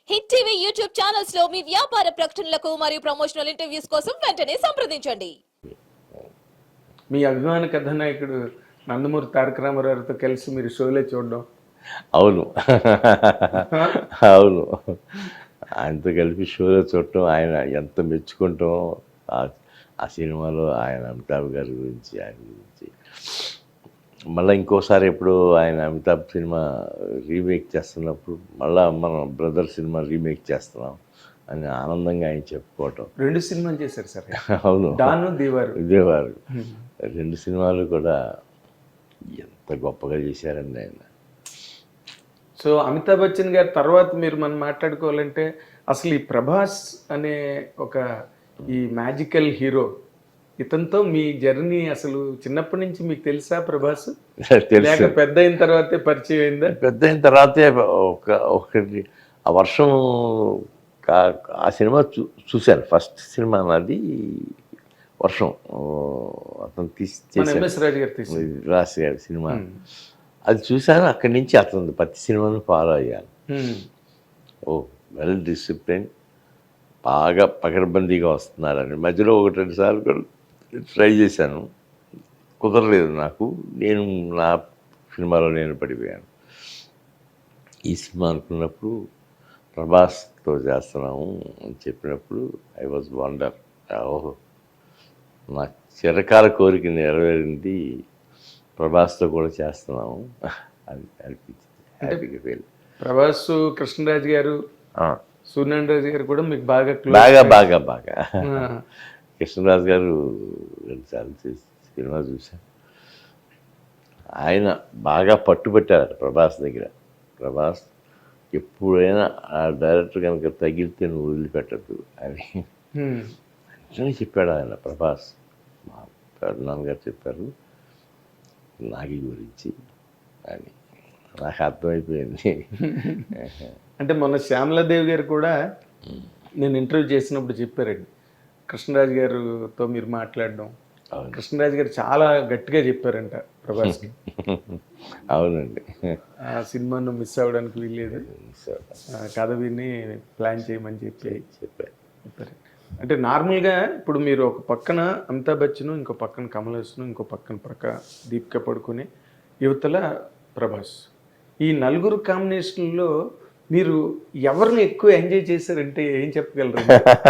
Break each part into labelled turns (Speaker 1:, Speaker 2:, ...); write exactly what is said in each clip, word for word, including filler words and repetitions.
Speaker 1: Hit TV YouTube channels లో మీ వ్యాపార ప్రకటనలకు మరియు ప్రమోషనల్ ఇంటర్వ్యూస్ కోసం వెంటనే సంప్రదించండి.
Speaker 2: మీ అభిమాన కథానాయకుడు నందమూరి తారక రామారావుతో కలిసి మీరు షోలే చూడడం.
Speaker 3: అవును అవును ఆయనతో కలిపి షోలో చూడటం, ఆయన ఎంత మెచ్చుకుంటాం ఆ సినిమాలో ఆయన అమితాబ్ గారి గురించి, ఆయన గురించి. మళ్ళీ ఇంకోసారి ఎప్పుడు ఆయన అమితాబ్ సినిమా రీమేక్ చేస్తున్నప్పుడు మళ్ళీ మనం బ్రదర్ సినిమా రీమేక్ చేస్తున్నాం అని ఆనందంగా ఆయన చెప్పుకోవటం.
Speaker 2: రెండు సినిమాలు చేశారు సార్.
Speaker 3: అవును,
Speaker 2: డాను దేవారు
Speaker 3: దేవారు రెండు సినిమాలు కూడా ఎంత గొప్పగా చేశారండి ఆయన.
Speaker 2: సో అమితాబ్ బచ్చన్ గారి తర్వాత మీరు మనం మాట్లాడుకోవాలంటే అసలు ఈ ప్రభాస్ అనే ఒక ఈ మ్యాజికల్ హీరో, ఇతనితో మీ జర్నీ అసలు చిన్నప్పటి నుంచి మీకు తెలుసా ప్రభాస్? లేక పెద్ద అయిన తర్వాతే పరిచయం అయిందా?
Speaker 3: పెద్ద అయిన తర్వాతే ఒక ఒకటి ఆ వర్షం ఆ సినిమా చూ చూశాను. ఫస్ట్ సినిమా నాది వర్షం, అతను తీసి రాసి గారి సినిమా. అది చూశాను. అక్కడి నుంచి అతను ప్రతి సినిమాను ఫాలో అయ్యాను. ఓ వెల్ డిసిప్లిన్, బాగా పకడ్బందీగా వస్తున్నారని. మధ్యలో ఒకటి రెండు సార్లు కూడా ట్రై చేశాను, కుదరలేదు నాకు. నేను నా సినిమాలో నేను పడిపోయాను. ఈ సినిమా అనుకున్నప్పుడు ప్రభాస్తో చేస్తున్నాము అని చెప్పినప్పుడు ఐ వాజ్ వండర్. ఓహో, నా చిరకాల కోరిక నెరవేరింది, ప్రభాస్తో కూడా చేస్తున్నాము అని అనిపించింది. హ్యాపీగా ఫీల్.
Speaker 2: ప్రభాస్, కృష్ణరాజు గారు, సూర్యనారాయణ రాజు గారు కూడా మీకు బాగా
Speaker 3: బాగా బాగా బాగా కృష్ణరాజు గారు రెండుసార్లు సినిమా చూశాను. ఆయన బాగా పట్టుబట్టారు ప్రభాస్ దగ్గర. ప్రభాస్ ఎప్పుడైనా ఆ డైరెక్టర్ కనుక తగిలితే నువ్వు వదిలిపెట్టద్దు అని అని చెప్పాడు ఆయన. ప్రభాస్ మా నాన్నగారు చెప్పారు నాగి గురించి అని. నాకు అర్థమైపోయింది.
Speaker 2: అంటే మొన్న శ్యామలాదేవి గారు కూడా నేను ఇంటర్వ్యూ చేసినప్పుడు చెప్పారండి, కృష్ణరాజు గారితో మీరు మాట్లాడడం. కృష్ణరాజు గారు చాలా గట్టిగా చెప్పారంట ప్రభాస్కి.
Speaker 3: అవునండి,
Speaker 2: ఆ సినిమాను మిస్ అవ్వడానికి వీల్లేదు, కథ విని ప్లాన్ చేయమని చెప్పి చెప్పారు చెప్పారు అంటే నార్మల్గా ఇప్పుడు మీరు ఒక పక్కన అమితాబ్ బచ్చన్, ఇంకో పక్కన కమల్ హాసన్, ఇంకో పక్కన ప్రక్క దీపిక పడుకుని, యువతల ప్రభాస్, ఈ నలుగురు కాంబినేషన్లో మీరు ఎవరిని ఎక్కువ ఎంజాయ్ చేశారంటే ఏం చెప్పగలరు?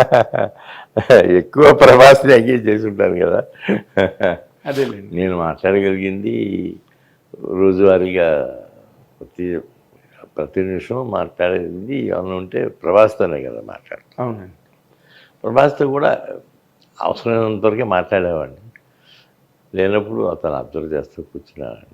Speaker 3: ఎక్కువ ప్రభాస్ని ఎంజాయ్ చేసి ఉంటాను కదా.
Speaker 2: అదేలేండి,
Speaker 3: నేను మాట్లాడగలిగింది రోజువారీగా ప్రతి ప్రతి నిమిషం మాట్లాడేది ఏమన్నా ఉంటే ప్రభాస్తోనే కదా మాట్లాడు.
Speaker 2: అవునండి,
Speaker 3: ప్రభాస్తో కూడా అవసరమైనంత వరకే మాట్లాడేవాడిని. లేనప్పుడు అతను అబ్జర్వ్ చేస్తూ కూర్చున్నాను.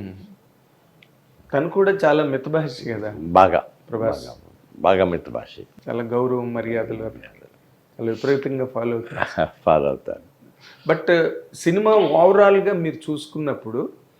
Speaker 2: తను కూడా చాలా మితభాషి కదా
Speaker 3: బాగా.
Speaker 2: ప్రభాస్
Speaker 3: బాగా మిత భాష,
Speaker 2: చాలా గౌరవం మర్యాదలు చాలా విపరీతంగా ఫాలో అవుతారు
Speaker 3: ఫాలో అవుతారు
Speaker 2: బట్ సినిమా ఓవరాల్గా మీరు చూసుకున్నప్పుడు,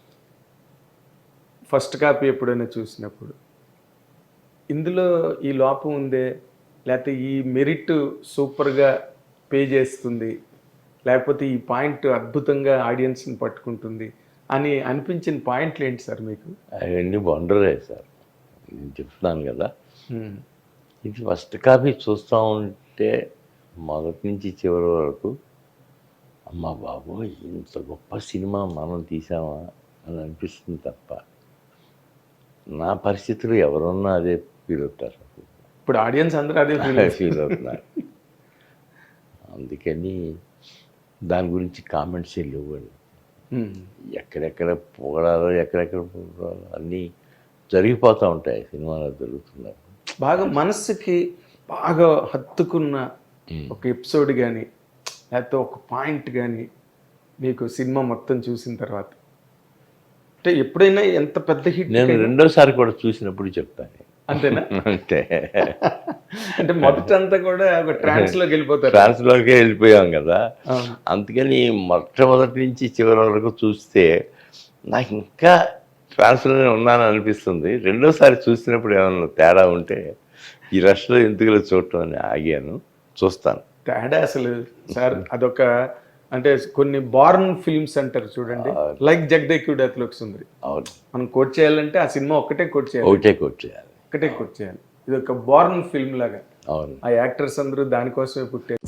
Speaker 2: ఫస్ట్ కాపీ ఎప్పుడైనా చూసినప్పుడు ఇందులో ఈ లోపం ఉందే, లేకపోతే ఈ మెరిట్ సూపర్గా పే చేస్తుంది, లేకపోతే ఈ పాయింట్ అద్భుతంగా ఆడియన్స్ని పట్టుకుంటుంది అని అనిపించిన పాయింట్లు ఏంటి సార్ మీకు?
Speaker 3: అవన్నీ వండరే సార్. నేను చెప్తున్నాను కదా, ఇది ఫస్ట్ కాపీ చూస్తూ ఉంటే మొదటి నుంచి చివరి వరకు అమ్మ బాబు ఇంత గొప్ప సినిమా మనం తీసామా అని అనిపిస్తుంది తప్ప నా పరిస్థితులు ఎవరున్నా అదే ఫీల్ అవుతారు.
Speaker 2: ఇప్పుడు ఆడియన్స్ అందరూ అదే
Speaker 3: ఫీల్ అవుతున్నారు. అందుకని దాని గురించి కామెంట్స్ లేవండి. ఎక్కడెక్కడ పొగడాలో ఎక్కడెక్కడ పొగడాలో అన్నీ జరిగిపోతూ ఉంటాయి సినిమాలో జరుగుతున్నారు.
Speaker 2: బాగా మనస్సుకి బాగా హత్తుకున్న ఒక ఎపిసోడ్ కానీ లేకపోతే ఒక పాయింట్ కానీ మీకు సినిమా మొత్తం చూసిన తర్వాత, అంటే ఎప్పుడైనా ఎంత పెద్ద హిట్,
Speaker 3: నేను రెండోసారి కూడా చూసినప్పుడు చెప్తాను.
Speaker 2: అంతేనా?
Speaker 3: అంతే.
Speaker 2: అంటే మొదటంతా కూడా ఒక ట్రాన్స్లోకి వెళ్ళిపోతారు.
Speaker 3: ట్రాన్స్లోకే వెళ్ళిపోయాం కదా. అందుకని మొట్టమొదటి నుంచి చివరి వరకు చూస్తే నాకు ఇంకా ట్రాన్స్లోనే ఉన్నాను అనిపిస్తుంది. రెండోసారి చూసినప్పుడు ఏమన్నా తేడా ఉంటే ఈ రష్లో ఎందుకులో చూడటం అని ఆగాను. చూస్తాను
Speaker 2: తేడా అసలు సార్. అదొక అంటే కొన్ని బార్న్ ఫిల్మ్స్ అంటారు చూడండి, లైక్ జగదేకుడు అతలోకి సుందరి.
Speaker 3: అవును,
Speaker 2: మనం కోట్ చేయాలంటే ఆ సినిమా ఒక్కటే కోట్ చేయాలి,
Speaker 3: ఒకటే కోట్ చేయాలి,
Speaker 2: ఒక్కటే కోట్ చేయాలి. ఇది ఒక బోర్న్ ఫిల్మ్ లాగా
Speaker 3: అవును
Speaker 2: ఆ యాక్టర్స్ అందరూ దానికోసమే పుట్టారు